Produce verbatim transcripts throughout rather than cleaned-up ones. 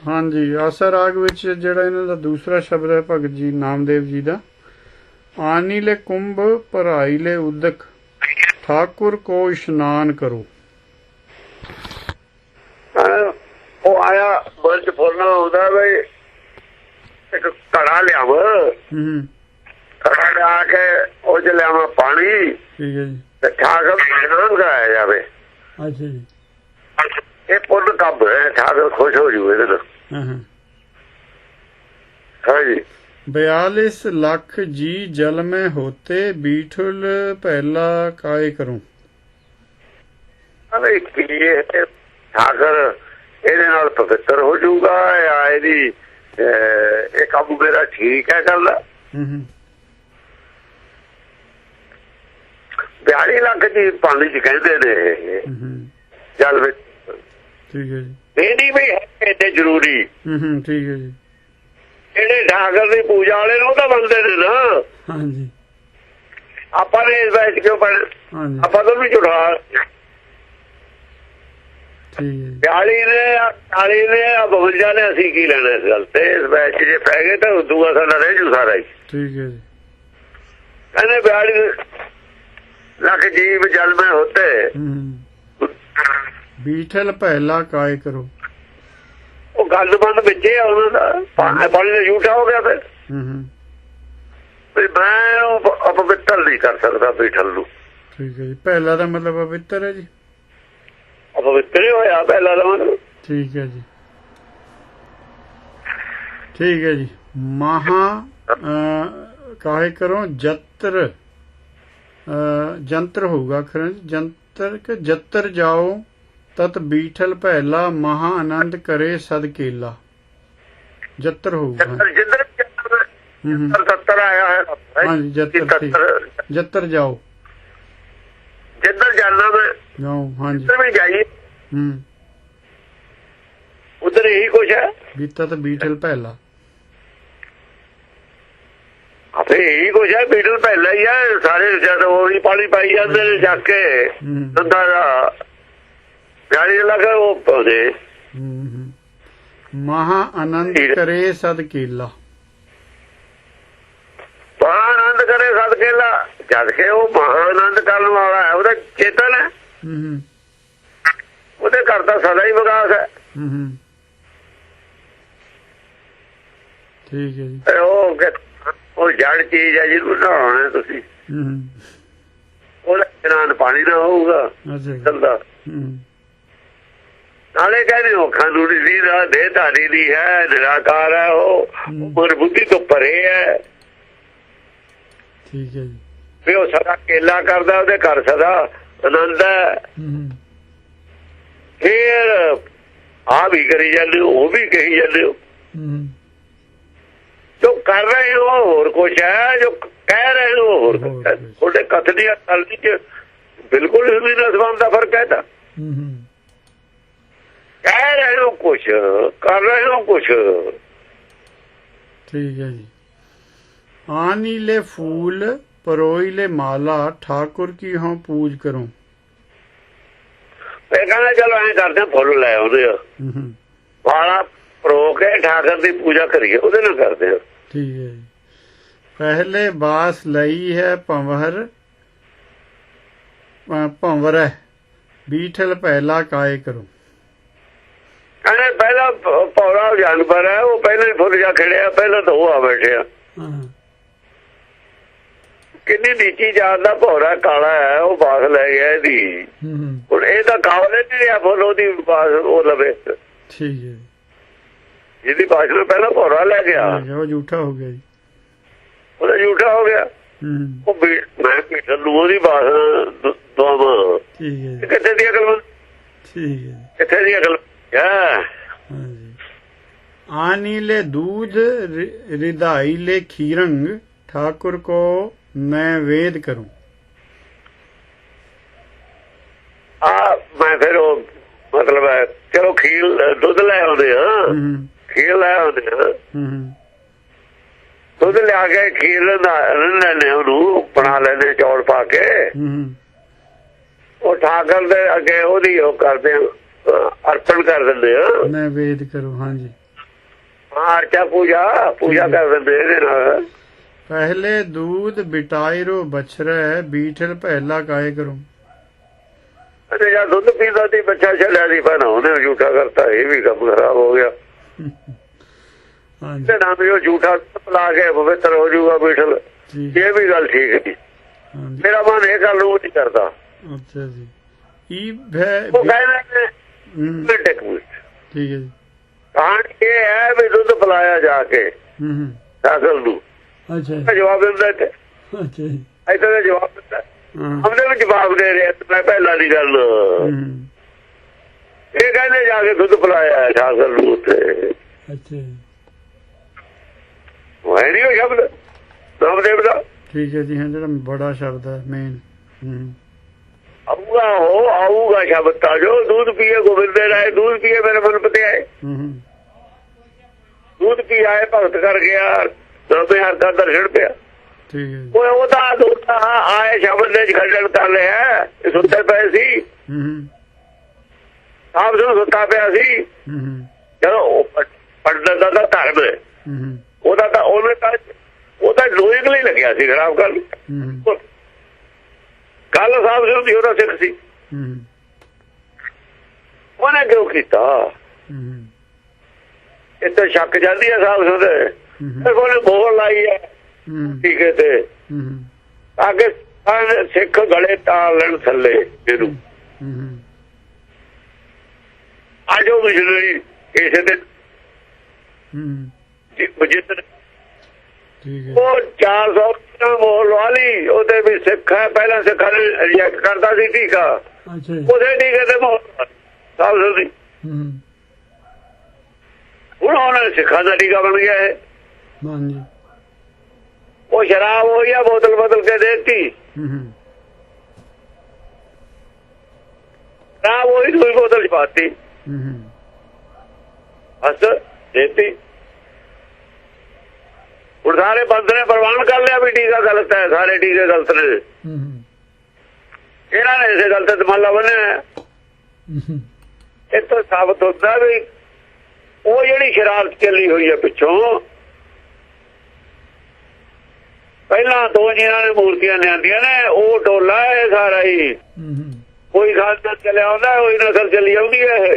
हाँ जी, आसा राग विच जिहड़ा इन्हां दा दूसरा शब्द है भगत जी नामदेव जी दा, आनी ले कुंभ भराई ले उदक ठाकुर को इशनान करो। वो आया मन च फुरना आउंदा बई एक घड़ा लियाव, घड़ा लिया के ओ च लियाव पानी, ठीक है जी, ते ठाकुर को इशनान कराया जावे। अच्छा जी, ये पुण्य काम है, ठाकुर खुश हो जू इहदे नाल। हाँ जी, बयालीस लाख जी जल में होते बीठुल पहला काय करूं। अरे की ठाकुर ਇਹਦੇ ਨਾਲ ਪਵਿੱਤਰ ਹੋ ਜਾਊਗਾ ਜਾਂ ਇਹਦੀ ਇਹ ਕੰਮ ਮੇਰਾ ਠੀਕ ਹੈ ਗੱਲ। ਬਿਆਲੀ ਲੱਖ ਦੀ ਪਾਣੀ ਚ ਕਹਿੰਦੇ ਨੇ ਜਲ ਵਿੱਚ, ਠੀਕ ਹੈ ਜੀ, ਇਹ ਨਹੀਂ ਵੀ ਇਹਦੇ ਜ਼ਰੂਰੀ। ਠੀਕ ਹੈ ਜੀ, ਜਿਹੜੇ ਠਾਕਰ ਦੀ ਪੂਜਾ ਵਾਲੇ ਨੇ ਉਹ ਤਾਂ ਬੰਦੇ ਨੇ ਨਾ। ਹਾਂਜੀ, ਆਪਾਂ ਨੇ ਇਸ ਵਿੱਚ ਕਿਉਂ ਪੜ, ਆਪਾਂ ਤਾਂ ਵੀ ਝੁਠਾ ਬਿਆਲੀ ਨੇ ਚਾਲੀ ਨੇ ਬਵੰਜਾ ਨੇ ਅਸੀਂ ਕੀ ਲੈਣਾ ਇਸ ਗੱਲ ਤੇ। ਇਸ ਬੈਚ ਜੇ ਪੈ ਗਏ ਤਾਂ ਦੂਆ ਸਾਡਾ ਰਹਿ ਜੂ ਸਾਰਾ ਹੀ। ਠੀਕ ਹੈ ਜੀ, ਕਹਿੰਦੇ ਬਿਆਲੀ ਲੱਖ ਜੀਵ ਜਲ में होते बीठल पहला काय करो। ਉਹ ਗੱਲ ਬੰਦ ਵਿੱਚ ਆ ਉਹਨਾਂ ਦਾ, ਪਾਣੀ ਦਾ ਝੂਠਾ ਹੋ ਗਿਆ ਫਿਰ। ਮੈਂ ਉਹ ਅਪਵਿੱਤਰ ਨਹੀਂ ਕਰ ਸਕਦਾ ਬੀਠਲ ਨੂੰ। ਠੀਕ ਹੈ ਜੀ, ਪਹਿਲਾ ਦਾ ਮਤਲਬ ਪਵਿੱਤਰ ਹੈ ਜੀ, ਅਪਵਿੱਤਰ ਹੋਇਆ ਪਹਿਲਾ ਦਾ ਮਤਲਬ। ਠੀਕ ਹੈ ਜੀ, ठीक है जी। महा काहे करो जत्र जंत्र होगा खर जंत्र के जत्र जाओ तत बीठल पहला महा आनंद करे सद केला। जत्र होगा जत्र आया है। हाँ जी, जत्र जत्र जाओ, जिधर जाना मैं जाओ। हाँ जी, में जाइए, उधर यही कुछ है। बीता तो बीठल पहला, फिर यही कुछ है। बीठल पहला ही है। सारे ज्यादा वो ही पानी पाई जाते हैं जाके प्यारी लगा वो पौधे। महा आनंद करे सद केला। महा आनंद करे सद केला जद के वो महा आनंद करने वाला है, वो चेतन है, वो करता सदा ही विकास है। ठीक है जी। वो ਉਹ ਜੜ ਚੀਜ਼ ਹੈ ਜਿਹਨੂੰ ਨਹਾਉਣਾ ਤੁਸੀਂ, ਉਹਦਾ ਇਸ਼ਨਾਨ ਪਾਣੀ ਨਾ ਹੋਊਗਾ ਚਲਦਾ। ਨਾਲੇ ਕਹਿੰਦੇ ਉਹ ਕਾਨੂੰਨੀ ਦੀ ਦਾ ਦੇਹਧਾਰੀ ਦੀ ਹੈ, ਨਿਰਾਕਾਰ ਹੈ, ਉਹ ਮਨ ਬੁੱਧੀ ਤੋਂ ਪਰੇ ਹੈ। ਠੀਕ ਹੈ ਜੀ। ਵੀ ਉਹ ਸਦਾ ਕੇਲਾ ਕਰਦਾ, ਉਹਦੇ ਘਰ ਸਦਾ ਆਨੰਦ ਹੈ। ਫਿਰ ਆ ਵੀ ਕਰੀ ਜਾਂਦੇ ਹੋ, ਉਹ ਵੀ ਕਹੀ ਜਾਂਦੇ ਹੋ। जो कर रहे हो और कुछ है, जो कह रहे हो और कुछ है। थोड़े कथनी गलती च बिल्कुल जमीन आसमान का फर्क है। कह रहे हो कुछ, कर रहे हो कुछ। ठीक है जी। आनी ले फूल परोई ले माला ठाकुर की हों पूज करो। कहना चलो ऐ करते फुल लै आउंदे माला परो के ठाकुर की पूजा करिए, ਉਹਦੇ ਨਾਲ ਕਰਦੇ हैं। ठीक है जी। पहले बास लई है पंवर पंवर बीठल पहला काय करो। कहने पहला पौरा जानवर है, वो पहले ही फुल जा खड़िया, पहले तो वो आ बैठे। किन्नी नीची जात का भौरा काला है, वो बास लै गया ਇਹਦੀ। ਹੁਣ ਇਹ ਤਾਂ ਕਾਵਲੇ ਨਹੀਂ ਰਿਹਾ ਫੁੱਲ, ਉਹਦੀ ਬਾਸ ਉਹ ਲਵੇ। ठीक है। ਜਿਹਦੀ ਬਾਸ ਨੂੰ ਪਹਿਲਾਂ ਭੌਰਾ ਲੈ ਗਿਆ, ਉਹ ਝੂਠਾ ਹੋ ਗਿਆ ਜੀ, ਉਹਦਾ ਝੂਠਾ ਹੋ ਗਿਆ। ਉਹ ਮੈਂ ਪੀਟਰ ਨੂੰ ਉਹਦੀ ਬਾਸ ਦਵਾਵਾਂ। ਠੀਕ ਹੈ। ਕਿੱਥੇ ਦੀ ਅਕਲ? ਠੀਕ ਹੈ। ਕਿੱਥੇ ਦੀ ਅਕਲ? आनी ले दूध रिदाई ले खीरंग ठाकुर को मैं वेद करूं। आ मैं फिर वो मतलब है चलो खीर दुध ले आते हैं, खीर ले आते हैं, दुध लिया के खीर लेने ਉਹਨੂੰ ਬਣਾ ਲੈਂਦੇ ਚੌਲ ਪਾ ਕੇ। ਉਹ ਠਾਕਰ ਦੇ ਅੱਗੇ ਉਹਦੀ ਉਹ ਕਰਦੇ अर्पण कर देंगे। नैवेद करो। हाँ जी। ਆਰਚਾ ਪੂਜਾ ਪੂਜਾ ਕਰ ਦਿੰਦੇ ਇਹਦੇ ਨਾਲ। ਪਹਿਲੇ ਦੂਧ ਬਿਟਾਇਰੋ ਬਛਰੈ ਬੀਠਲ ਪਹਿਲਾ ਕਾਇ ਕਰੋ। ਅਰੇ ਯਾਰ ਦੁੱਧ ਪੀਂਦਾ ਸੀ ਬੱਚਾ ਛੱਡਿਆ ਸੀ ਪਹਿਲਾਂ ਉਹਨੇ ਝੂਠਾ ਕਰਤਾ, ਇਹ ਵੀ ਕੰਮ ਖਰਾਬ ਹੋ ਗਿਆ। ਤੇ ਨਾ ਵੀ ਉਹ ਝੂਠਾ ਪਲਾ ਕੇ ਪਵਿੱਤਰ ਹੋ ਜਾਊਗਾ ਬੀਠਲ, ਇਹ ਵੀ ਗੱਲ ਠੀਕ ਨਹੀਂ। ਮੇਰਾ ਮਨ ਇਹ ਗੱਲ ਨੂੰ ਨਹੀਂ ਕਰਦਾ। ਅੱਛਾ ਜੀ। ਉਹ ਕਹਿੰਦੇ ਠੀਕ ਹੈ ਜੀ। ਕਹਾਣੀ ਇਹ ਹੈ ਵੀ ਦੁੱਧ ਪਿਲਾਇਆ ਜਾ ਕੇ ਸਾਗਰ ਨੂੰ। ਅੱਛਾ ਜਵਾਬ ਦਿੰਦਾ ਇੱਥੇ, ਇੱਥੇ ਦਾ ਜਵਾਬ ਦਿੰਦਾ ਉਹਦੇ ਵੀ ਜਵਾਬ ਦੇ ਰਿਹਾ। ਮੈਂ ਪਹਿਲਾਂ ਦੀ ਗੱਲ ਇਹ ਕਹਿੰਦੇ ਜਾ ਕੇ ਦੁੱਧ ਪਿਲਾਇਆ ਸਾਗਰ ਨੂੰ ਉੱਥੇ। ਹੈ ਨੀ ਉਹ ਸ਼ਬਦ ਨਾਮਦੇਵ ਦਾ। ਠੀਕ ਹੈ ਜੀ। ਹਾਂ ਜਿਹੜਾ ਬੜਾ ਸ਼ਬਦ ਹੈ ਮੇਨ ਆਊਗਾ ਉਹ ਆਊਗਾ ਸ਼ਬਦ ਤਾਂ ਜੋ ਦੁੱਧ ਪੀਏ ਗੋਬਿੰਦ ਰਾਏ ਦੁੱਧ ਪੀਏ ਮੇਰੇ ਮਨ ਪਤੇ ਆਏ। ਦੁੱਧ ਪੀ ਆਏ ਭਗਤ ਕਰ ਗਿਆ ਦੋਵੇਂ ਹਰ ਦਾ ਦਰਸ਼ਨ ਪਿਆ। ਉਹ ਉਹਦਾ ਦੁੱਧ ਆਏ ਸ਼ਬਦ ਦੇ ਖੰਡਨ ਕਰ ਲਿਆ। ਸੁੱਤੇ ਪਏ ਸੀ ਆਪ ਨੂੰ ਸੁੱਤਾ ਪਿਆ ਸੀ। ਚਲੋ ਪੰਡਤ ਦਾ ਤਾਂ ਧਰਮ ਹੈ ਉਹਦਾ ਤਾਂ ਉਹਨੇ ਤਾਂ ਉਹਦਾ ਲੋਇੰਗ ਲਈ ਲੱਗਿਆ ਸੀ ਖਰਾਬ ਗੱਲ। ਗੱਲ ਸਾਹਿਬ ਸਿੰਘ ਦੀ ਉਹਦਾ ਸਿੱਖ ਸੀ ਉਹਨੇ ਕਿਉਂ ਕੀਤਾ? ਇੱਥੇ ਸ਼ੱਕ ਜਾਂਦੀ ਹੈ ਸਾਹਿਬ ਸਿੰਘ ਉਹਨੇ ਬੋਲ ਲਾਈ ਹੈ ਟੀਕੇ ਤੇ ਅੱਗੇ ਸਿੱਖ ਗਲੇ ਤਾਲ ਲੈਣ ਥੱਲੇ ਇਹਨੂੰ। ਅੱਜ ਉਹ ਮਿਸ਼ਨਰੀ ਕਿਸੇ ਦੇ ਜਿੱਤ ਉਹ ਚਾਰ ਸੌ ਮੋਹਰ ਲਵਾ ਲਈ ਉਹਦੇ ਵੀ ਸਿੱਖ ਹੈ। ਪਹਿਲਾਂ ਸਿੱਖਾਂ ਨੇ ਰਿਜੈਕਟ ਕਰਦਾ ਸੀ ਟੀਕਾ, ਉਹਦੇ ਟੀਕੇ ਤੇ ਮੋਹਰ ਸਾਹਿਬ ਦੀ। ਹੁਣ ਉਹਨਾਂ ਸਿੱਖਾਂ ਦਾ ਟੀਕਾ ਬਣ ਗਿਆ ਹੈ। ਉਹ ਸ਼ਰਾਬ ਹੋਈ ਆ ਬੋਤਲ ਬਦਲ ਕੇ ਦੇਤੀ। ਸ਼ਰਾਬ ਹੋਈ ਦੂਈ ਬੋਤਲ ਚ ਪਾਤੀ ਬਸ ਦੇਤੀ। ਹੁਣ ਸਾਰੇ ਬੰਦ ਨੇ ਪ੍ਰਵਾਨ ਕਰ ਲਿਆ ਵੀ ਟੀਕਾ ਗਲਤ ਹੈ, ਸਾਰੇ ਟੀਕੇ ਗਲਤ ਨੇ। ਇਹਨਾਂ ਨੇ ਇਸੇ ਗੱਲ ਤੇ ਮੱਲਾ ਬੰਨਿਆ। ਇੱਥੋਂ ਸਾਬਤ ਹੁੰਦਾ ਵੀ ਉਹ ਜਿਹੜੀ ਸ਼ਰਾਰਤ ਚੱਲੀ ਹੋਈ ਹੈ ਪਿੱਛੋਂ, ਪਹਿਲਾਂ ਦੋ ਜਿਹਨਾਂ ਨੇ ਮੂਰਤੀਆਂ ਲਿਆਂਦੀਆਂ ਨੇ ਉਹ ਟੋਲਾ ਹੈ ਸਾਰਾ ਹੀ। ਕੋਈ ਖਾਲਸਾ ਚੱਲਿਆ ਆਉਂਦਾ, ਕੋਈ ਨਸਲ ਚੱਲੀ ਆਉਂਦੀ ਹੈ। ਇਹ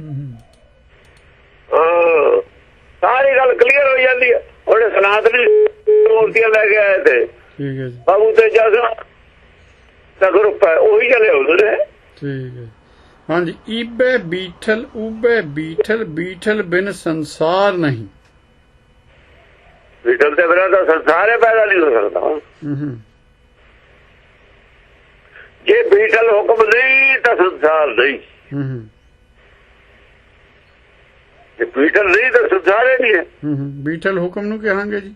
ਹਾਂ ਸਾਰੀ ਗੱਲ ਕਲੀਅਰ ਹੋ ਜਾਂਦੀ ਹੈ। ਉਹਨੇ ਸਨਾਤਨੀ ਮੂਰਤੀਆਂ ਲੈ ਕੇ ਆਏ ਤੇ ਬਾਬੂ ਤੇ ਜਸ ਦਾ ਗਰੁੱਪ ਹੈ ਉਹੀ ਚਲੇ ਆਉਂਦੇ ਨੇ। ਠੀਕ ਹੈ। ਹਾਂਜੀ। ਈਬੇ ਬੀਠਲ ਉਬੇ ਬੀਠਲ ਬੀਠਲ ਬਿਨ ਸੰਸਾਰ ਨਹੀਂ। ਬੀਠਲ ਤੇ ਬਿਨਾਂ ਤਾਂ ਸੰਸਾਰ ਹੀ ਪੈਦਾ ਨਹੀਂ ਹੋ ਸਕਦਾ। ਜੇ ਬੀਠਲ ਹੁਕਮ ਨਹੀਂ ਤਾਂ ਸੰਸਾਰ ਨਹੀਂ। ਜੇ ਬੀਠਲ ਨਹੀਂ ਤਾਂ ਸੰਸਾਰ ਹੀ ਨਹੀਂ ਹੈ। ਬੀਠਲ ਹੁਕਮ ਨੂੰ ਕਹਾਂਗੇ ਜੀ।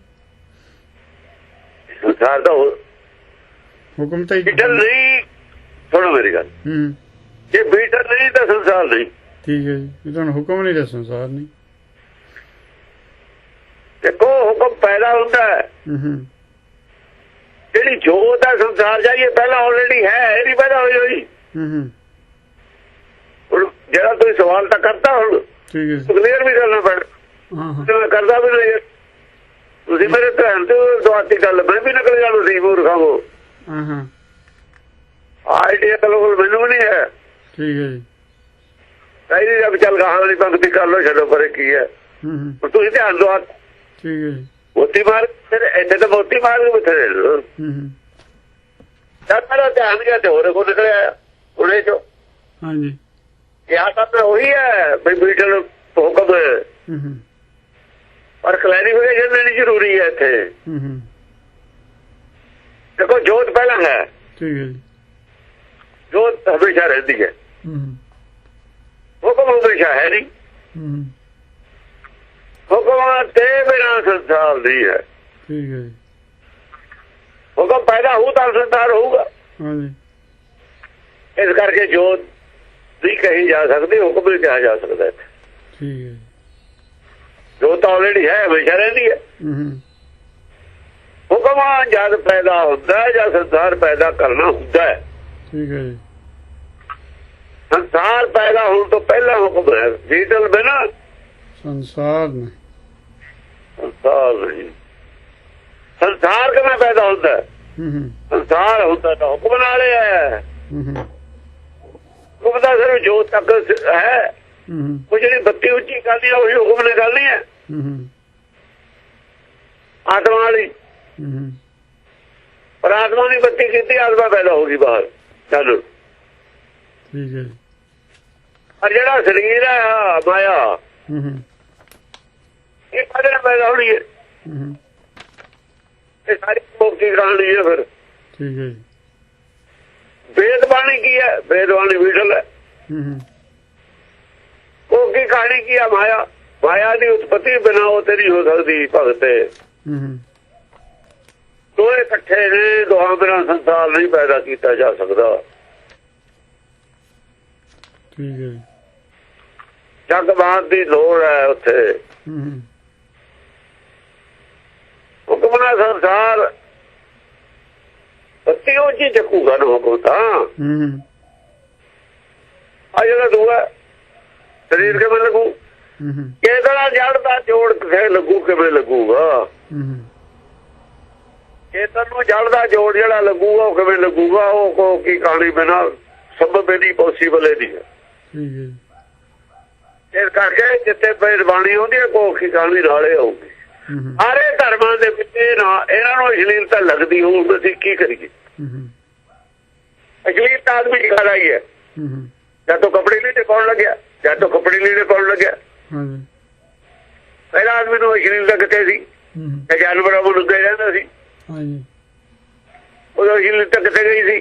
ਸੰਸਾਰ ਦਾ ਹੁਕਮ ਤਾਂ ਬੀਠਲ ਨਹੀਂ। ਸੁਣੋ ਮੇਰੀ ਗੱਲ, ਜੇ ਬੀਠਲ ਨਹੀਂ ਤਾਂ ਸੰਸਾਰ ਨਹੀਂ। ਠੀਕ ਹੈ ਜੀ। ਤੁਹਾਨੂੰ ਹੁਕਮ ਨਹੀਂ ਤਾਂ ਸੰਸਾਰ ਨਹੀਂ। ਦੇਖੋ ਹੁਕਮ ਪੈਦਾ ਹੁੰਦਾ ਹੈ। ਜਿਹੜੀ ਜੋਤ ਹੈ ਸੰਸਾਰ ਜਾਈਏ ਪਹਿਲਾਂ ਆਲਰੇਡੀ ਹੈ, ਇਹ ਨਹੀਂ ਪੈਦਾ ਹੋਈ ਹੋਈ। ਹੁਣ ਜਿਹੜਾ ਤੁਸੀਂ ਸਵਾਲ ਤਾਂ ਕਰਤਾ ਹੁਣ ਕਲੀਅਰ ਵੀ ਕਰਨਾ ਪੈਣਾ। ਕਰਦਾ ਵੀ ਨਹੀਂ ਤੁਸੀਂ ਮੇਰੇ ਧਿਆਨ ਤੇ ਦੁਆਤੀ ਗੱਲ ਮੈਂ ਵੀ ਨਿਕਲ ਜਾਣਾ ਸੀ ਮੂਰਖਾਂ ਕੋ। ਆਈਡੀਆ ਚਲੋ ਮੈਨੂੰ ਵੀ ਨਹੀਂ ਹੈ। ਠੀਕ ਹੈ ਜੀ। ਕਈ ਜਬ ਚੱਲ ਗਾਹਾਂ ਵਾਲੀ ਪੰਕਤੀ ਕਰ ਲਓ, ਛੱਡੋ ਪਰੇ ਕੀ ਹੈ। ਤੁਸੀਂ ਧਿਆਨ ਦਿਓ। ਠੀਕ ਹੈ ਜੀ। ਮੋਤੀ ਮਾਰ ਇੱਥੇ ਤਾਂ ਮੋਤੀ ਮਾਰ ਕੇ ਬਥੇਰੇ ਮੇਰਾ ਧਿਆਨ ਗਿਆ ਤੇ ਹੋਰ ਕੋ ਨਿਕਲਿਆ ਉਹਨੇ ਚੋ। ਹਾਂਜੀ। ਕਿਹਾ ਤਾਂ ਉਹੀ ਹੈ ਬਈ ਬੀਠਲ ਹੁਕਮ ਪਰ ਕਲੈਰੀਫਿਕੇਸ਼ਨ ਦੇਣੀ ਜ਼ਰੂਰੀ ਹੈ ਇੱਥੇ। ਦੇਖੋ ਜੋਤ ਪਹਿਲਾਂ ਹੈ। ਠੀਕ ਹੈ ਜੀ। ਜੋਤ ਹਮੇਸ਼ਾ ਰਹਿੰਦੀ ਹੈ, ਹੁਕਮ ਹਮੇਸ਼ਾ ਹੈ ਨਹੀਂ। ਹੁਕਮ ਤੇ ਬਿਨਾਂ ਸੰਸਾਰ ਨਹੀਂ ਹੈ। ਠੀਕ ਹੈ ਜੀ। ਹੁਕਮ ਪੈਦਾ ਹੋਊ ਤਾਂ ਸੰਸਾਰ ਹੋਊਗਾ। ਹਾਂਜੀ। ਇਸ ਕਰਕੇ ਜੋਤ ਨਹੀਂ ਕਹੀ ਜਾ ਸਕਦੀ, ਹੁਕਮ ਨਹੀਂ ਕਿਹਾ ਜਾ ਸਕਦਾ। ਠੀਕ ਹੈ। ਜੋਤ ਆਲਰੇਡੀ ਹੈ, ਹਮੇਸ਼ਾ ਰਹਿੰਦੀ ਹੈ। ਹੁਕਮ ਜਦ ਪੈਦਾ ਹੁੰਦਾ ਜਾਂ ਸੰਸਾਰ ਪੈਦਾ ਕਰਨਾ ਹੁੰਦਾ ਹੈ। ਠੀਕ ਹੈ ਜੀ। ਸੰਸਾਰ ਪੈਦਾ ਹੋਣ ਤੋਂ ਪਹਿਲਾਂ ਹੁਕਮ ਹੈ। ਬੀਠਲ ਬਿਨਾਂ ਸੰਸਾਰ ਨਹੀਂ। ਸੰਸਾਰ ਨਹੀਂ। ਸੰਸਾਰ ਕਿਵੇਂ ਪੈਦਾ ਹੁੰਦਾ? ਸੰਸਾਰ ਹੁੰਦਾ ਤਾਂ ਹੁਕਮ ਨਾਲ ਹੈ। ਹੁਕਮ ਦਾ ਸਿਰਫ ਜੋਤ ਤੱਕ ਹੈ। ਉਹ ਜਿਹੜੀ ਬੱਤੀ ਉੱਚੀ ਕਰਦੀ ਹੈ ਉਹੀ ਹੁਕਮ ਨੇ ਕਰਨੀ ਹੈ ਆਤਮਾ ਵਾਲੀ। ਪਰ ਆਤਮਾ ਦੀ ਬੱਤੀ ਕੀਤੀ, ਆਤਮਾ ਪੈਦਾ ਹੋ ਗਈ ਬਾਹਰ। ਚਲੋ ਠੀਕ ਹੈ। ਪਰ ਜਿਹੜਾ ਸਰੀਰ ਹੈ ਮਾਇਆ, ਇਹ ਕਦੇ ਨਾ ਪੈਦਾ ਹੋਣੀ ਹੈ। ਇਹ ਸਾਰੀ ਮੁਕਤੀ ਕਹਾਣੀ ਹੈ। ਫਿਰ ਠੀਕ ਹੈ। ਵੇਦ ਬਾਣੀ ਕੀ ਹੈ? ਵੇਦ ਬਾਣੀ ਵਿਸ਼ਲ ਹੈ। ਉਹ ਕੀ ਕਹਾਣੀ ਕੀ ਹੈ? ਮਾਇਆ। ਮਾਇਆ ਦੀ ਉਤਪਤੀ ਬਿਨਾਂ ਉਹ ਤੇ ਨਹੀਂ ਹੋ ਸਕਦੀ ਭਗਤੇ। ਦੋਏ ਇਕੱਠੇ ਨੇ, ਦੋਹਾਂ ਬਿਨਾਂ ਸੰਸਾਰ ਨਹੀਂ ਪੈਦਾ ਕੀਤਾ ਜਾ ਸਕਦਾ। ਠੀਕ ਹੈ। ਜਗਬਾਦ ਦੀ ਲੋੜ ਹੈ ਉੱਥੇ। ਹੁਕਮ ਨਾਲ ਸੰਸਾਰ ਬੱਤੀ ਉਹ ਜੀ ਚੱਕੂਗਾ ਨਾ ਹੁਕਮ ਤਾਂ। ਆ ਜਿਹੜਾ ਦੂਆ ਸਰੀਰ ਕਿਵੇਂ ਲੱਗੂ? ਕਿਸੇ ਨਾਲ ਜੜ ਦਾ ਜੋੜ ਕਿਸੇ ਲੱਗੂ, ਕਿਵੇਂ ਲੱਗੂਗਾ? ਚੇਤਨ ਨੂੰ ਜੜ ਦਾ ਜੋੜ ਜਿਹੜਾ ਲੱਗੂਗਾ ਉਹ ਕਿਵੇਂ ਲੱਗੂਗਾ? ਉਹ ਕੋ ਕੀ ਕਹਾਣੀ ਬਿਨਾਂ ਸੰਭਵ ਨਹੀਂ, ਪੋਸੀਬਲ ਨਹੀਂ ਹੈ। ਇਸ ਕਰਕੇ ਜਿੱਥੇ ਬਾਣੀ ਆਉਂਦੀ ਹੈ ਕੋ ਕੀ ਕਹਾਣੀ ਨਾਲੇ ਆਊਗੀ। ਸਾਰੇ ਧਰਮਾਂ ਦੇ ਵਿੱਚ ਨਾ ਇਹਨਾਂ ਨੂੰ ਅਸ਼ਲੀਲਤਾ ਲੱਗਦੀ ਹੋਊ। ਅਸੀਂ ਕੀ ਕਰੀਏ? ਅਸ਼ਲੀਲਤਾ ਆਦਮੀ ਦੀ ਗੱਲ ਆਈ ਹੈ। ਜਦ ਤੋਂ ਕੱਪੜੇ ਲੀੜੇ ਪਾਉਣ ਲੱਗਿਆ, ਜਦ ਤੋਂ ਕੱਪੜੇ ਲੀੜੇ ਪਾਉਣ ਲੱਗਿਆ, ਪਹਿਲਾਂ ਆਦਮੀ ਨੂੰ ਅਸ਼ਲੀਲਤਾ ਕਿੱਥੇ ਸੀ? ਜਾਨਵਰਾਂ ਨੂੰ ਲੱਗੇ ਰਹਿੰਦਾ ਸੀ। ਉਦੋਂ ਅਸ਼ਲੀਲਤਾ ਕਿੱਥੇ ਗਈ ਸੀ?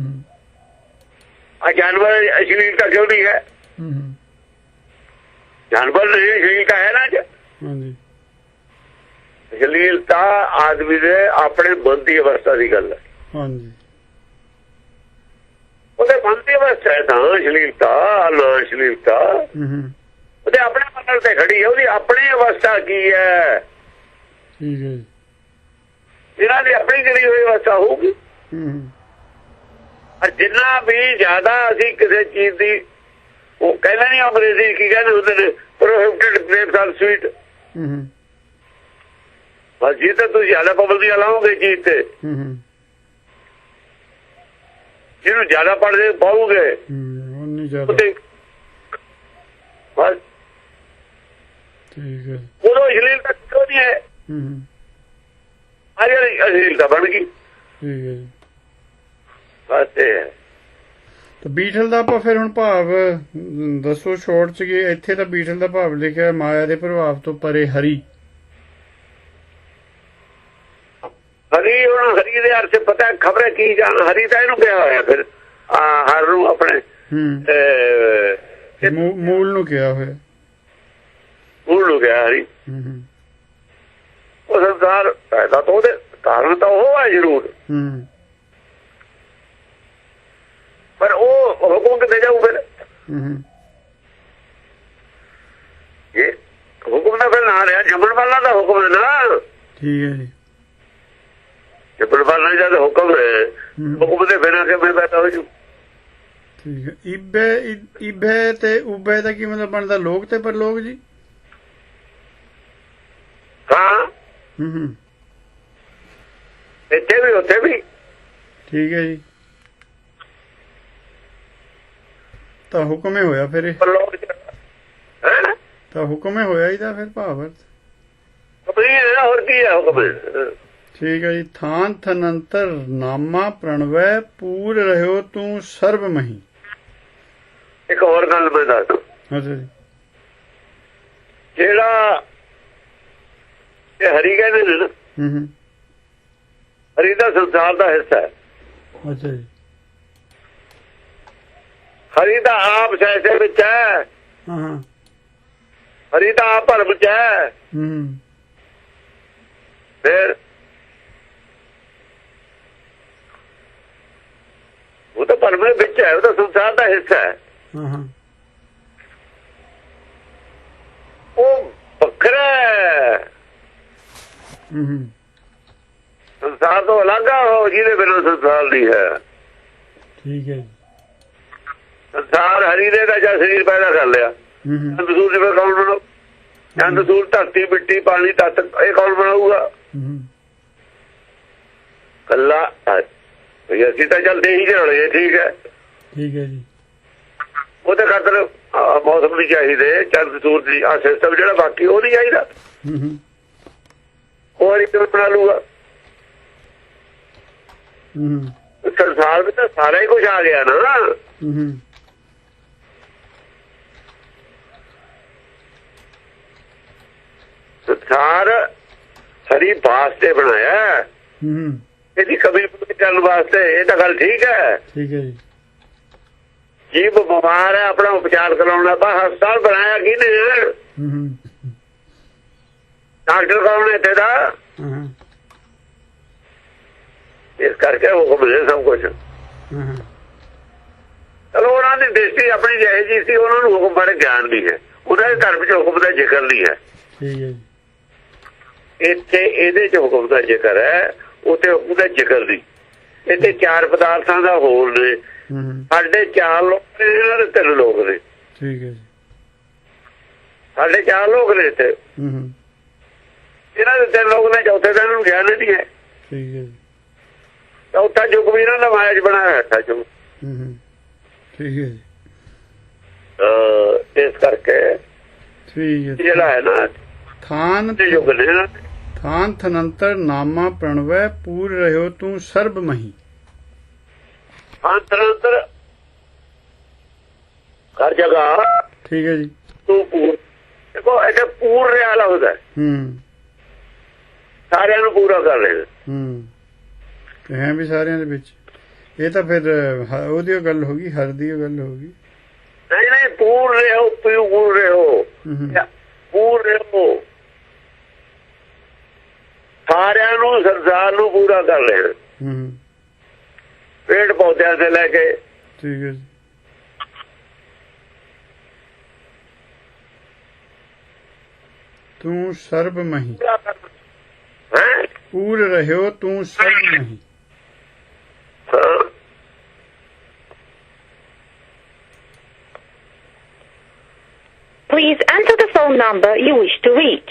ਆ ਜਾਨਵਰ ਅਸ਼ਲੀਲਤਾ ਕਿਉਂ ਨਹੀਂ ਹੈ? ਜਾਨਵਰ ਨਹੀਂ, ਅਸ਼ਲੀਲਤਾ ਹੈ ਨਾ। ਅੱਜ ਅਸ਼ਲੀਲਤਾ ਆਦਮੀ ਦੇ ਆਪਣੇ ਮਨ ਦੀ ਅਵਸਥਾ ਦੀ ਗੱਲ ਹੈ। ਉਹਦੇ ਮਨ ਦੀ ਅਵਸਥਾ ਹੈ ਤਾਂ ਅਸ਼ਲੀਲਤਾ ਨਾ। ਅਸ਼ਲੀਲਤਾ ਉਹਦੇ ਆਪਣੇ ਮਨ ਤੇ ਖੜੀ ਹੈ। ਉਹਦੀ ਆਪਣੀ ਅਵਸਥਾ ਕੀ ਹੈ? ਇਹਨਾਂ ਦੀ ਆਪਣੀ ਜਿਹੜੀ ਹੋਈ ਅਵਸਥਾ ਹੋਊਗੀ। ਜਿੰਨਾ ਵੀ ਜ਼ਿਆਦਾ ਅਸੀਂ ਕਿਸੇ ਚੀਜ਼ ਦੀ, ਉਹ ਕਹਿੰਦੇ ਨਹੀਂ ਅੰਗਰੇਜ਼ੀ ਕੀ ਕਹਿੰਦੇ ਹੁੰਦੇ ਨੇ, ਪ੍ਰੋਹਿਬਿਟਡ ਗ੍ਰੇਪਸ ਆਰ ਸਵੀਟ। ਬਸ ਜੀ ਤਾਂ ਤੁਸੀਂ ਜ਼ਿਆਦਾ ਪਾਬੰਦੀਆਂ ਲਾਓਗੇ ਚੀਜ਼ ਤੇ, ਜਿਹਨੂੰ ਜ਼ਿਆਦਾ ਪੜ੍ਹਦੇ ਪਾਓਗੇ ਬਸ। ਉਦੋਂ ਅਸ਼ਲੀਲਤਾ ਕਿਉਂ ਨਹੀਂ ਹੈ? ਅੱਜ ਅਸ਼ਲੀਲਤਾ ਬਣ ਗਈ। ਬਸ ਇਹ ਹੈ। ਬੀਠਲ ਦਾ ਆਪਾਂ ਫਿਰ ਹੁਣ ਭਾਵ ਦੱਸੋ ਸ਼ੋਰਟ ਚ। ਇੱਥੇ ਤਾਂ ਬੀਠਲ ਦਾ ਭਾਵ ਲਿਖਿਆ ਮਾਇਆ ਦੇ ਪ੍ਰਭਾਵ ਤੋਂ ਪਰੇ ਹਰੀ। ਹਰੀ ਹੁਣ ਹਰੀ ਦੇ ਅਰਥ ਪਤਾ ਖਬਰ ਕੀ ਜਾਣ? ਹਰੀ ਤਾਂ ਇਹਨੂੰ ਕਿਹਾ ਹੋਇਆ ਫਿਰ ਹਰ ਨੂੰ ਆਪਣੇ ਮੂਲ ਨੂੰ ਕਿਹਾ ਹੋਇਆ। ਮੂਲ ਨੂੰ ਕਿਹਾ ਹਰੀ। ਉਹ ਸੰਸਾਰ ਪੈਦਾ ਤਾਂ ਉਹਦੇ ਕਾਰਨ ਤਾਂ ਉਹ ਹੈ ਜ਼ਰੂਰ, ਪਰ ਉਹ ਹੁਕਮ ਕਿੱਥੇ ਜਾਊ ਫਿਰ? ਇਹ ਹੁਕਮ ਦਾ ਫਿਰ ਨਾ ਰਿਹਾ, ਜੰਮਣ ਵਾਲਾ ਦਾ ਹੁਕਮ ਹੈ ਨਾ। ਠੀਕ ਹੈ ਜੀ। ਜੰਮਣ ਵਾਲਾ ਜਦ ਹੁਕਮ ਹੈ, ਹੁਕਮ ਦੇ ਬਿਨਾਂ ਕਿਵੇਂ ਪੈਦਾ ਹੋ ਜੂ? ਠੀਕ ਹੈ। ਇਬੇ ਇਬੇ ਤੇ ਉਬੇ ਦਾ ਕੀ ਮਤਲਬ ਬਣਦਾ? ਲੋਕ ਤੇ ਪਰਲੋਕ ਜੀ। ਹਾਂ, ਇੱਥੇ ਵੀ ਉੱਥੇ ਵੀ। ਠੀਕ ਹੈ ਜੀ। ਤਾਂ ਹੁਕਮ ਹੀ ਹੋਇਆ ਫਿਰ। ਤਾਂ ਹੁਕਮ ਹੀ ਹੋਇਆ ਇਹਦਾ ਫਿਰ ਭਾਵ ਅਰਥ। ਹੋਰ ਕੀ ਹੈ ਹੁਕਮ? ਠੀਕ ਹੈ ਜੀ। ਥਾਨ ਥਨੰਤਰ ਨਾਮਾ ਪ੍ਰਣਵੈ ਪੂਰ ਰਹਿਓ ਤੂੰ ਸਰਬ ਮਹੀ। ਇੱਕ ਹੋਰ ਗੱਲ ਮੈਂ ਦੱਸ। ਅੱਛਾ ਜੀ। ਜਿਹੜਾ ਇਹ ਹਰੀ ਕਹਿੰਦੇ ਨੇ ਨਾ, ਹਰੀ ਦਾ ਸੰਸਾਰ ਦਾ ਹਿੱਸਾ ਹੈ। ਅੱਛਾ ਜੀ। ਹਰੀ ਦਾ ਆਪ ਸੈਸੇ ਵਿੱਚ ਹੈ। ਹਰੀ ਦਾ ਆਪ ਭਰਮ ਚ ਹੈ। ਫਿਰ ਉਹ ਤਾਂ ਭਰਮ ਵਿੱਚ ਹੈ, ਉਹ ਤਾਂ ਸੰਸਾਰ ਦਾ ਹਿੱਸਾ ਹੈ। ਉਹ ਵੱਖਰਾ ਹੈ, ਸੰਸਾਰ ਤੋਂ ਅਲੱਗ ਹੋ, ਜਿਹਦੇ ਬਿਨਾਂ ਸੰਸਾਰ ਨਹੀਂ ਹੈ। ਠੀਕ ਹੈ। ਸੰਸਾਰ ਹਰੀ ਨੇ ਦਾ ਜਾਂ ਸਰੀਰ ਪੈਦਾ ਕਰ ਲਿਆ, ਕੌਣ ਚੰਦ ਸੂਰਜ ਧਰਤੀ ਮਿੱਟੀ ਪਾਣੀ ਤੱਤ ਇਹ ਕੌਣ ਬਣਾਊਗਾ? ਕੱਲਾ ਅਸੀਂ ਤਾਂ ਚੱਲਦੇ ਹੀ ਰਲੇ। ਠੀਕ ਹੈ ਠੀਕ ਹੈ ਜੀ। ਉਹਦੇ ਖਾਤਰ ਮੌਸਮ ਨਹੀਂ ਚਾਹੀਦੇ, ਚੰਦ ਸੂਰਜ ਦੀ ਆ ਸਿਸਟਮ ਜਿਹੜਾ ਬਾਕੀ ਉਹ ਨਹੀਂ ਚਾਹੀਦਾ। ਹੋਰ ਇੱਕ ਬਣਾ ਲੂਗਾ। ਸੰਸਾਰ ਵਿੱਚ ਤਾਂ ਸਾਰਾ ਹੀ ਕੁਝ ਆ ਗਿਆ ਨਾ। ਸੰਸਾਰ ਹਰੀ ਵਾਸਤੇ ਬਣਾਇਆ, ਇਹਦੀ ਕਮੀ ਪੂਰੀ ਕਰਨ ਵਾਸਤੇ। ਇਹ ਤਾਂ ਗੱਲ ਠੀਕ ਹੈ। ਠੀਕ ਹੈ ਜੀ। ਜੀਵ ਬਿਮਾਰ ਹੈ, ਆਪਣਾ ਉਪਚਾਰ ਕਰਾਉਣਾ। ਬਸ ਹਸਪਤਾਲ ਬਣਾਇਆ ਕਿਹਨੇ? ਡਾਕਟਰ ਕੌਣ ਇੱਥੇ ਦਾ? ਇਸ ਕਰਕੇ ਹੁਕਮ ਦੇ ਸਭ ਕੁਝ। ਚਲੋ ਉਹਨਾਂ ਦੀ ਦ੍ਰਿਸ਼ਟੀ ਆਪਣੀ ਜਿਹੀ ਜੀ ਸੀ, ਉਹਨਾਂ ਨੂੰ ਹੁਕਮ ਬਾਰੇ ਗਿਆਨ ਨਹੀਂ ਹੈ। ਉਹਨਾਂ ਦੇ ਧਰਮ ਚ ਹੁਕਮ ਦਾ ਜ਼ਿਕਰ ਨਹੀਂ ਹੈ। ਇੱਥੇ ਇਹਦੇ ਚ ਹੁਕਮ ਦਾ ਜ਼ਿਕਰ ਹੈ, ਉੱਥੇ ਹੁਕਮ ਦਾ ਜ਼ਿਕਰ ਨਹੀਂ। ਇੱਥੇ ਚਾਰ ਪਦਾਰਥਾਂ ਦਾ ਹੋਲ ਨੇ। ਸਾਡੇ ਚਾਰ ਲੋਕ ਨੇ, ਇਹਨਾਂ ਦੇ ਤਿੰਨ ਲੋਕ ਨੇ। ਠੀਕ ਹੈ ਜੀ। ਸਾਡੇ ਚਾਰ ਲੋਕ ਨੇ ਇੱਥੇ, ਇਹਨਾਂ ਦੇ ਤਿੰਨ ਲੋਕ ਨੇ। ਚੌਥੇ ਦਿਨ ਨੂੰ ਗਿਆਨ ਨਹੀਂ ਹੈ। ਠੀਕ ਹੈ ਜੀ। ਚੌਥਾ ਯੁੱਗ ਵੀ ਇਹਨਾਂ ਦਾ ਮਾਇਆ ਚ ਬਣਾਇਆ ਹੋਇਆ ਯੁੱਗ। ਠੀਕ ਹੈ ਜੀ। ਇਸ ਕਰਕੇ ਠੀਕ ਹੈ। ਜਿਹੜਾ ਹੈ ਨਾ ਥਾਨ ਯੁੱਗ ਨੇ। ਥਾਨ ਥਨੰਤਰ ਨਾਮਾ ਪ੍ਰਣਵੈ ਪੂਰ ਰਹਿਓ ਤੂੰ ਸਰਬ ਮਹੀ। ਥਾਨ ਥਨੰਤਰ ਹਰ ਜਗ੍ਹਾ। ਠੀਕ ਹੈ ਜੀ। ਤੂੰ ਪੂਰ ਦੇਖੋ, ਇਹ ਪੂਰ ਰਿਹਾ ਲੱਗਦਾ। ਹੂੰ ਸਾਰਿਆਂ ਨੂੰ ਪੂਰਾ ਕਰ ਰਹੇ। ਹੂੰ ਹੈ ਵੀ ਸਾਰਿਆਂ ਦੇ ਵਿੱਚ। ਇਹ ਤਾਂ ਫਿਰ ਉਹਦੀ ਗੱਲ ਹੋ ਗਈ, ਹਰ ਦੀ ਗੱਲ ਹੋ ਗਈ। ਨਹੀਂ ਨਹੀਂ, ਪੂਰ ਰਹੋ, ਪੂਰ ਰਹੋ, ਪੂਰ ਰਹੋ। ਸਾਰਿਆਂ ਨੂੰ, ਸੰਸਾਰ ਨੂੰ ਪੂਰਾ ਕਰ ਰਹੇ। ਪੇੜ ਪੌਦਿਆਂ से ਲੈ ਕੇ। ਠੀਕ ਹੈ ਜੀ। ਤੂੰ ਸਰਬ ਮਹੀ ਪੂਰ ਰਹਿਓ ਤੂੰ ਸਰਬ ਮਹੀ। Please enter the phone number you wish to reach.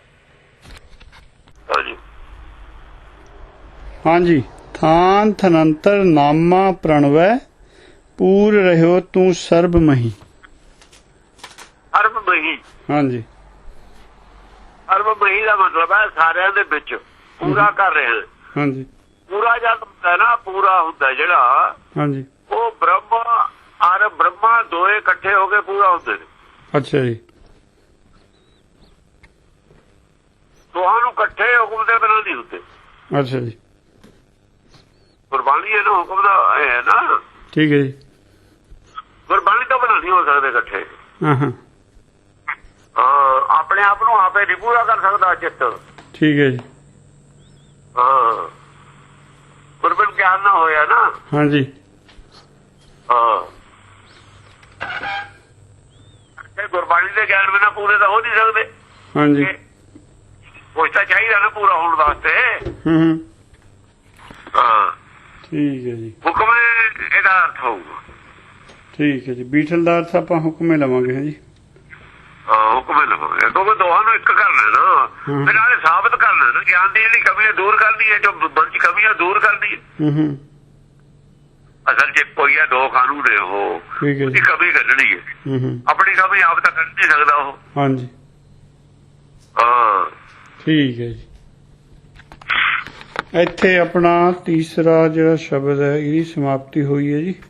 ਹਾਂਜੀ। ਥਾਨ ਥਨੰਤਰ ਨਾਮਾ ਪ੍ਰਣਵੈ ਪੂਰ ਰਹਿਓ ਤੂੰ ਸਰਬ ਮਹੀ। ਸਰਬ ਮਹੀ। ਹਾਂਜੀ। ਸਰਬ ਮਹੀ ਦਾ ਮਤਲਬ ਹੈ ਸਾਰਿਆਂ ਦੇ ਵਿੱਚ ਪੂਰਾ ਕਰ ਰਹੇ ਹਨ। ਹਾਂਜੀ। ਪੂਰਾ ਜਦ ਹੁੰਦਾ ਨਾ, ਪੂਰਾ ਹੁੰਦਾ ਜਿਹੜਾ, ਹਾਂਜੀ, ਉਹ ਬ੍ਰਹਮ ਔਰ ਬ੍ਰਹਮਾ ਦੋਏ ਇਕੱਠੇ ਹੋ ਕੇ ਪੂਰਾ ਹੁੰਦੇ ਨੇ। ਅੱਛਾ ਜੀ। ਤੁਹਾਨੂੰ ਇਕੱਠੇ ਹੁਕਮ ਦੇ ਬਿਨਾਂ ਨਹੀਂ ਹੁੰਦੇ। ਅੱਛਾ ਜੀ। ਗੁਰਬਾਣੀ ਇਹਨੂੰ ਹੁਕਮ ਦਾ ਹੈ ਨਾ। ਠੀਕ ਹੈ ਜੀ। ਗੁਰਬਾਣੀ ਤੋਂ ਬਿਨਾਂ ਨਹੀਂ ਹੋ ਸਕਦੇ ਇਕੱਠੇ। ਹਾਂ ਹਾਂ। ਆਪਣੇ ਆਪ ਨੂੰ ਆਪੇ ਨਹੀਂ ਪੂਰਾ ਕਰ ਸਕਦਾ ਚਿੱਤ। ਠੀਕ ਹੈ ਜੀ। ਹਾਂ, ਗੁਰਬਾਣੀ ਗਿਆਨ ਨਾ ਹੋਇਆ ਨਾ। ਹਾਂਜੀ। ਹਾਂ, ਗੁਰਬਾਣੀ ਦੇ ਗਿਆਨ ਬਿਨਾਂ ਪੂਰੇ ਤਾਂ ਹੋ ਨਹੀਂ ਸਕਦੇ। ਹਾਂਜੀ। ਕੁਛ ਤਾਂ ਚਾਹੀਦਾ ਨਾ ਪੂਰਾ ਹੋਣ ਵਾਸਤੇ। ਹੂੰ। ਹਾਂ। ਠੀਕ ਹੈ ਜੀ। ਹੁਕਮ ਇਹਦਾ ਅਰਥ ਹੋਊਗਾ। ਠੀਕ ਹੈ ਜੀ। ਬੀਠਲ ਦਾ ਅਰਥ ਆਪਾਂ ਹੁਕਮੇ ਲਵਾਂਗੇ। ਹਾਂ ਜੀ। ਹਾਂ, ਹੁਕਮੇ ਲਵਾਂਗੇ ਕਿਉਂਕਿ ਦੋਹਾਂ ਨੂੰ ਇੱਕ ਕਰਨਾ ਨਾ, ਫਿਰ ਨਾਲੇ ਸਾਬਤ ਕਰਨਾ ਨਾ। ਗਿਆਨ ਦੀ ਜਿਹੜੀ ਕਮੀ ਹੈ ਦੂਰ ਕਰਨੀ ਹੈ, ਜੋ ਮਨ ਚ ਕਮੀ ਹੈ ਦੂਰ ਕਰਨੀ ਹੈ। ਹੂੰ। ਅਸਲ ਚ ਕੋਈ ਹੈ, ਦੋ ਕਾਨੂੰਨ ਨੇ ਉਹ, ਉਹਦੀ ਕਮੀ ਕੱਢਣੀ ਹੈ। ਆਪਣੀ ਕਮੀ ਆਪ ਤਾਂ ਕੱਢ ਨਹੀਂ ਸਕਦਾ ਉਹ। ਹਾਂਜੀ। ਹਾਂ। ਠੀਕ ਹੈ ਜੀ। ਇੱਥੇ ਆਪਣਾ ਤੀਸਰਾ ਜਿਹੜਾ ਸ਼ਬਦ ਹੈ ਇਹਦੀ ਸਮਾਪਤੀ ਹੋਈ ਹੈ ਜੀ।